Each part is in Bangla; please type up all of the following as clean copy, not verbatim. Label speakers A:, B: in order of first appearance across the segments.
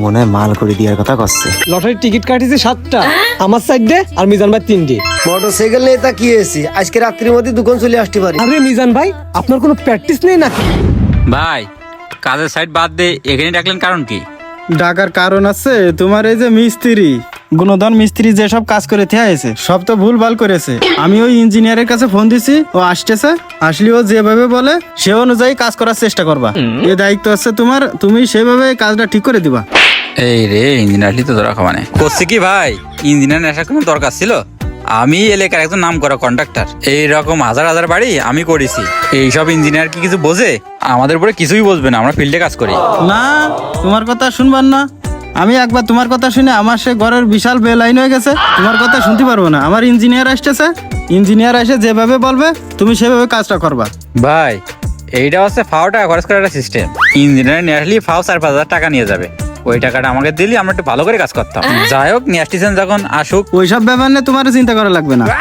A: মনে হয় মাল করে দেওয়ার কথা করছে।
B: লটারির টিকিট কাটিছে 7টা, আমার সাইডে আর মিজান ভাই 3টে।
C: মোটরসাইকেল নিয়ে তা কি হয়েছে? আজকে রাত্রির মধ্যে দোকান চলে আসতে পারি।
B: আরে মিজান ভাই, আপনার কোনো প্র্যাকটিস নেই নাকি?
D: ভাই কাজের সাইড বাদ দিয়ে এখানে ডাকলেন কারণ কি?
E: ডাকার কারণ আছে, তোমার এই যে মিস্ত্রি গুণধন মিস্ত্রি যেসব কাজ করে থেয়েছে সব তো ভুল ভাল করেছে। আমি ওই ইঞ্জিনিয়ারের কাছে ফোন দিছি, ও আসতেছে, আসলে ও যেভাবে বলে সে অনুযায়ী কাজ করার চেষ্টা করবা। এই দায়িত্ব আছে তোমার, তুমি সেভাবে কাজটা ঠিক করে দিবা।
D: এই রে ইঞ্জিনিয়ারলি তো ধরা খাওয়ানে করছে কি ভাই? ইঞ্জিনিয়ার আসার কোনো দরকার ছিল? আমি এলাকার একজন নাম করা কন্ট্রাক্টর, এইরকম হাজার হাজার বাড়ি আমি করেছি। এইসব ইঞ্জিনিয়ার কি কিছু বোঝে? আমাদের উপরে কিছুই বুঝবে না, আমরা ফিল্ডে কাজ করি।
E: না, তোমার কথা শুনবার না। আমি একবার তোমার কথা শুনে আমার সে ঘরের বিশাল বেলাইন হয়ে গেছে। তোমার কথা শুনতে পারবো না। আমার ইঞ্জিনিয়ার আসতেছে, ইঞ্জিনিয়ার এসে যেভাবে বলবে তুমি সেভাবে কাজটা করবা।
D: ভাই এইটা হচ্ছে ফাও টাকা খরচ করার একটা সিস্টেম। ইঞ্জিনিয়ার নিয়ে আসলে ফাও 4-5 হাজার টাকা নিয়ে যাবে, ওই টাকাটা আমাকে দিলি আমরা একটু ভালো করে কাজ করতাম। যাই হোক নিয়ে আসতেছেন যখন আসুক।
E: ওইসব ব্যাপার নিয়ে তোমার চিন্তা করা লাগবে না।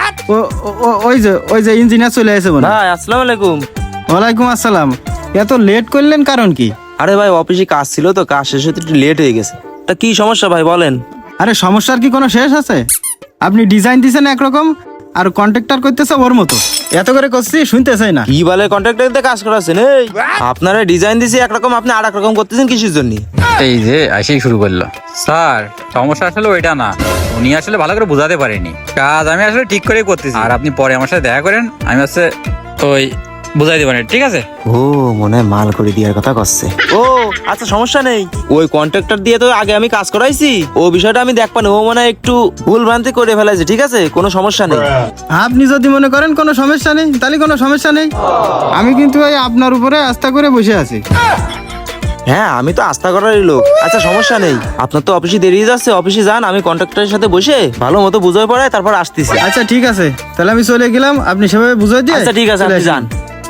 E: ওই যে ইঞ্জিনিয়ার চলে আসে বলে।
F: ভাই আসসালামু আলাইকুম।
E: ওয়ালাইকুম আসসালাম। এত লেট করলেন কারণ কি?
F: আরে ভাই অফিসে কাজ ছিল তো, কাজ শেষ হতে একটু লেট হয়ে গেছে। তা কি সমস্যা ভাই বলেন?
E: আরে সমস্যার কি কোনো শেষ আছে? আপনি ডিজাইন দিছেন একরকম আর কন্ট্রাক্টর করতেছে ওর মতো। এত করে করছি শুনতে চাই না।
F: কি বলে কন্ট্রাক্টরতে কাজ করাছেন? এই আপনারা ডিজাইন দিছি একরকম, আপনি আর এক রকম করতেছেন কিসের জন্য?
D: এই যে আসেই শুরু করলো। স্যার সমস্যা আসলে ওইটা না, উনি আসলে ভালো করে বোঝাতে পারেনি। কাজ আমি আসলে ঠিক করেই করতেছি, আর আপনি পরে আমার সাথে দেখা করেন, আমি হচ্ছে ওই বুঝাই দেবেন, ঠিক আছে?
A: ও মনে হয় মাল করে দেওয়ার কথা করছে।
F: ও আচ্ছা সমস্যা নেই, ওই কন্ট্রাক্টর দিয়ে তো আগে আমি কাজ করাইছি, ও বিষয়টা আমি দেখবান। ও মনে হয় একটু ভুল ভ্রান্তি করে ফেলাইছে, ঠিক আছে, কোনো সমস্যা নেই।
E: আপনি যদি মনে করেন কোনো সমস্যা নেই তাহলে কোনো সমস্যা নেই। আমি কিন্তু এই আপনার উপরে আস্থা করে বসে আছি।
F: হ্যাঁ আমি তো আস্থা করারই লোক। আচ্ছা সমস্যা নেই, আপনার তো অফিসে দেরি যাচ্ছে, অফিসে যান, আমি কন্ট্রাক্টরের সাথে বসে ভালো মতো বুঝাই পড়াই তারপর আসতেছি।
E: আচ্ছা ঠিক আছে, তাহলে আমি চলে গেলাম, আপনি সেভাবে বুঝাই দিয়ে।
F: আচ্ছা ঠিক আছে,
E: চলে
F: আপনি
E: আসেন।
F: যান।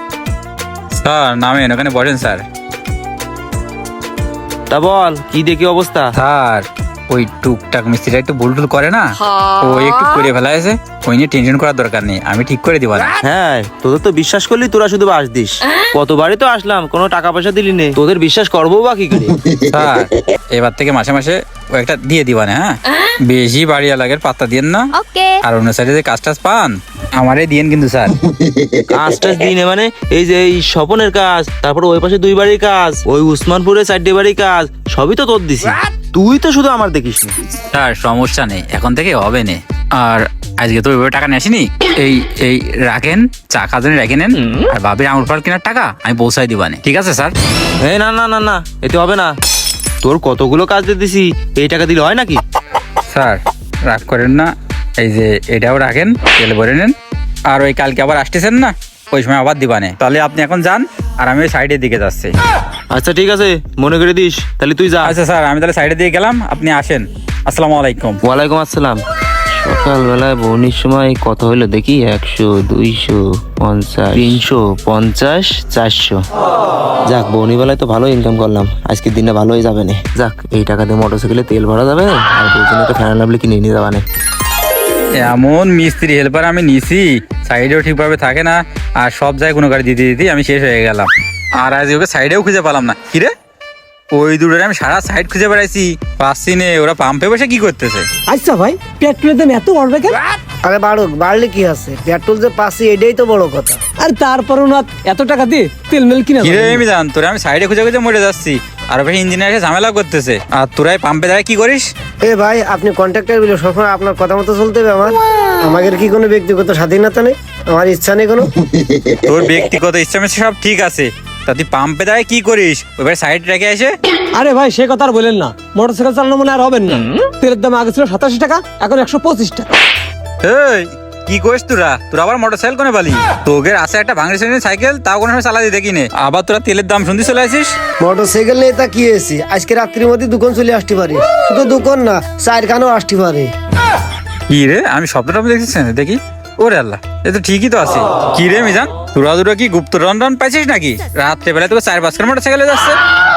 D: স্যার নামেন, ওখানে বসেন স্যার।
F: তা বল কি দেখি অবস্থা?
D: স্যার ওই টুকটাক মিস্ত্রিটা একটু ভুল টুল করে না, ও একটু করে ফেলাইছে, ওই নিয়ে টেনশন করার দরকার নেই, আমি ঠিক করে দিব না।
F: হ্যাঁ তোদের তো বিশ্বাস করলি, তোরা শুধু বাস দিস। কতবারই তো আসলাম, কোনো টাকা পয়সা দিলি নে, তোদের বিশ্বাস করবো বা কি করে?
D: স্যার এবার থেকে মাসে মাসে ও একটা দিয়ে দিবা না, হ্যাঁ? বেশি বাড়িয়া লাগের পাত্তা দিয়েন না। আর অন্য সাইডে যে কাজ টাজ পান আমারে দিয়েন কিন্তু স্যার।
F: কাজটা দিনে মানে এই যে এই স্বপনের কাজ, তারপর ওই পাশে 2 বাড়ির কাজ, ওই উসমানপুরে 4টে বাড়ির কাজ, সবই তো তোর দিছি, তুই তো শুধু আমার দেখিস না।
D: স্যার সমস্যা নেই, এখন থেকে হবে না। আর আজকে তো ওইভাবে টাকা নিয়ে আসিনি, এই এই রাখেন, চা খাজনে রেখে নেন, আর ভাবির আঙুর ফল কেনার টাকা আমি পৌঁছাই দিবানে, ঠিক আছে স্যার?
F: এই না না না না, এতে হবে না। তোর কতগুলো কাজ দিয়ে দিছি, এই টাকা দিলে হয় নাকি?
D: স্যার রাগ করেন না, এই যে এটাও রাখেন, তেল ভরে নেন, আর ওই কালকে আবার আসতেছেন না, ওই সময় আবার দিবানে। তাহলে আপনি এখন যান, আর আমি ওই সাইডের দিকে যাচ্ছি।
F: আচ্ছা ঠিক আছে, মনে করে দিস, তাহলে তুই যা।
D: আচ্ছা স্যার, আমি তাহলে সাইডের দিকে গেলাম, আপনি আসেন। আসসালামু আলাইকুম।
F: ওয়ালাইকুম আসসালাম। সকালবেলায় বৌনির সময় কত হইলো দেখি? 100, 200, 50, 350, 400।
A: যাক বৌনি বেলায় তো ভালো ইনকাম করলাম, আজকের দিনটা ভালোই যাবে না। যাক এই টাকা দিয়ে মোটরসাইকেলে তেল ভরা যাবে, আর দুজনে তো ফ্যান লাভলি কিনে নিয়ে যাবে না।
D: এমন মিস্ত্রি হেল্পার আমি নিছি, সাইডেও ঠিকভাবে থাকে না, আর সব জায়গায় কোনো গাড়ি দিতে দিতে আমি শেষ হয়ে গেলাম। আর আজ ওকে সাইডেও খুঁজে পেলাম না। কিরে ওই দুটোরে আমি সারা সাইড খুঁজে বেড়াইছি, পাচ্ছি নে, ওরা পাম্পে বসে কি করতেছে?
B: আচ্ছা ভাই, পেট্রোলের দাম এত বাড়বে কেন?
C: আরে বাড়ুক, বাড়লে কি আছে, পেট্রোল যে পাচ্ছি এটাই তো বড় কথা।
B: আর তারপরও না এত টাকা দিয়ে তেল মেল কিনা
D: কিরে আমি জান, তোরা আমি সাইডে খুঁজে খুঁজে মরে যাচ্ছি, আর ওখানে ইঞ্জিনিয়ার এসে ঝামেলা করতেছে, আর তোরাই পাম্পে দাঁড়ায় কি করিস?
C: এ ভাই আপনি কন্ট্রাক্টর বলে সবসময় আপনার কথা মতো চলতে হবে। আমাদের কি কোনো ব্যক্তিগত স্বাধীনতা নেই? আমার ইচ্ছা নেই কোনো?
D: তোর ব্যক্তিগত ইচ্ছা মিচ্ছে সব ঠিক আছে, তা তুই পাম্পে দাঁড়ায় কি করিস? ওইবার সাইড রেখে এসে।
B: আরে ভাই সে কথা আর বলেন না, মোটরসাইকেল চালানো মনে আর হবেন না। তেলের দাম আগে ছিল 87 টাকা, এখন 125 টাকা।
D: এই কি করিস তোরা? তোরা আবার মোটরসাইকেল কোনে পালি? তোদের আছে একটা ভাঙড়ি শ্রেণীর সাইকেল, তাও কোনো সময় চালাতে দেখি নে, আবার তোরা তেলের দাম শুনতে চলে আসিস।
C: মোটরসাইকেল নিয়ে তা কি হয়েছে? আজকে রাত্রির মধ্যে দোকান চলে আসতে পারি, শুধু দোকান না, 4 খানও আসতে পারে।
D: কি রে আমি স্বপ্নটা দেখছিস না? দেখি ওরে আল্লাহ, এ তো ঠিকই তো আছে। কি রে মিজান, তোরা দুটো কি গুপ্ত রন পাইছিস নাকি? রাত্রে বেলায় তোকে 4-5 খান মোটরসাইকেলে যাচ্ছে।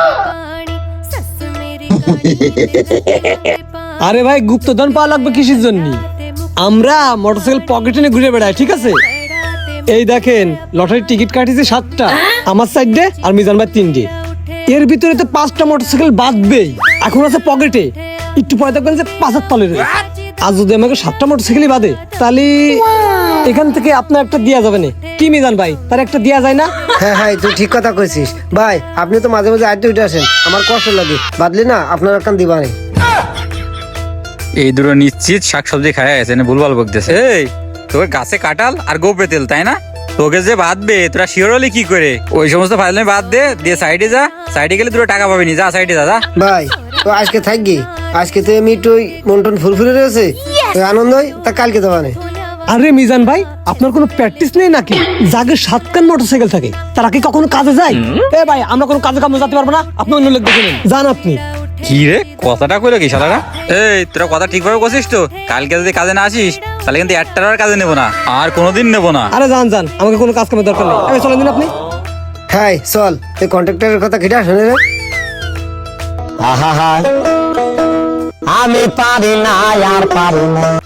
B: আরে ভাই গুপ্তধন পাওয়া লাগবে কিসের জন্য? আমরা মোটরসাইকেল পকেটে নিয়ে ঘুরে বেড়াই, ঠিক আছে? এই দেখেন লটারির টিকিট কাটিছে 7টা, আমার সাইডে আর মিজান ভাই 3টে। এর ভিতরে তো 5টা মোটরসাইকেল বাঁধবেই, এখন আছে পকেটে, একটু পরে দেখবেন যে 5 তলে রয়েছে। আর যদি আমাকে 7টা মোটরসাইকেলই বাদে, তাহলে এখান থেকে আপনার একটা দেয়া যাবে না। কি মিজান ভাই, তার একটা দেয়া যায় না?
C: হ্যাঁ হ্যাঁ, তুই ঠিক কথা কইছিস ভাই। আপনি তো মাঝে মাঝে আড্ডে উঠে আসেন, আমার কষ্ট লাগে, বাদলি না আপনার একটা দিবা নেই।
D: এই দুটো নিশ্চিত শাকসবজি খায় গেছে না, ভুলভাল বকতেছে। এই তোর গাছে কাঁঠাল আর গোপরে তেল, তাই না? তোকে যে বাঁধবে তোরা শিওর হলি কি করে? ওই সমস্ত ফাইলে বাদ দে, দিয়ে সাইডে যা। সাইডে গেলে দুটো টাকা পাবি নি, যা সাইডে যা।
C: ভাই তো আজকে থাকবি, আজকে তো এমনি একটু ওই মন টন ফুরফুরে রয়েছে, ওই আনন্দ হয়, তা কালকে দেওয়া নেই।
B: আরে মিজান ভাই, আপনার কোনো প্র্যাকটিস নেই নাকি? যাকে 7খান মোটরসাইকেল থাকে তারা কি কখনো কাজে যায়? এ ভাই, আমরা কোনো কাজে কামে যেতে পারবো না, আপনি অন্য লোক দেখে নিন, যান আপনি।
D: কি রে, কথাটা কইলো কি শালারা? এই তোরা কথা ঠিকভাবে করছিস তো? কালকে যদি কাজে না আসিস তাহলে কিন্তু একটার আর কাজে নেবো না, আর কোনোদিন নেবো না।
B: আরে যান যান, আমাকে কোনো কাজ কামের দরকার নেই, আমি চলে দিন আপনি।
C: হ্যাঁ চল, এই কন্ট্রাক্টরের কথা কেটে শুনে রে।
G: আমি পারি না আর পারি না।